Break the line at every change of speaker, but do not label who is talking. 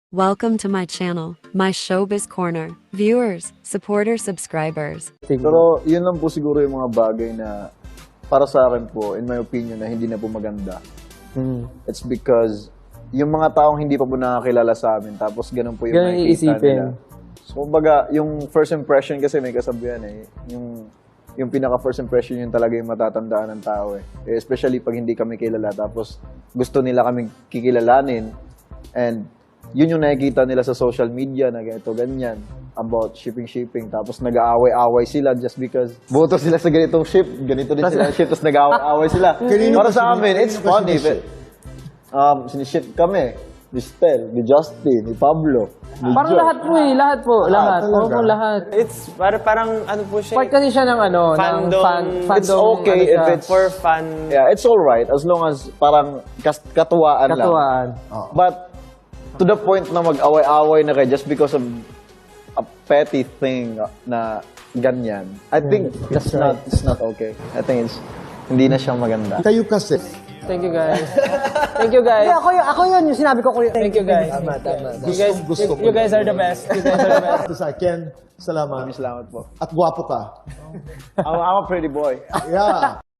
Welcome to my channel, my Showbiz Corner. Viewers, supporters, subscribers.
Pero yun lang po siguro yung mga bagay na para sa akin po, in my opinion, na hindi na po maganda. It's because yung mga taong hindi pa po nakakilala sa amin, tapos ganun po yung
Ganun
nakikita
iisipin.
nila. So, kumbaga, yung first impression kasi may kasabihan eh. Yung pinaka first impression yun talaga yung matatandaan ng tao eh. Especially pag hindi kami kilala, tapos gusto nila kami kikilalanin. And yun yung nakikita nila sa social media na ganito, ganyan, about shipping. Tapos nag-aaway-aaway sila just because boto sila sa ganitong ship, ganito din sila ship, tapos nag-aaway-aaway sila. Para sa amin, it's funny. Siniship kami. Ni Stel, ni Justin, ni Pablo, ni
Parang
Joe.
lahat po eh, lahat po, lahat. Oo po, lahat.
It's parang ano po siya.
Part kasi siya ng ano, ng
Fandom.
fandom.
It's okay
ano
if
siya.
it's
For fun.
Yeah, it's alright as long as parang katuwaan lang.
Katuwaan.
But to the point na mag-away-away na kayo just because of a petty thing na ganyan, I think it's not okay. I think hindi na siya maganda.
Kayo kasi.
Thank you guys. Thank you guys.
Ako yun, yung sinabi ko.
Thank you guys. You guys are the best. You guys are the best.
Ito sa Ken, salamat.
Salamat po.
At gwapo ka.
I'm a pretty boy.
Yeah.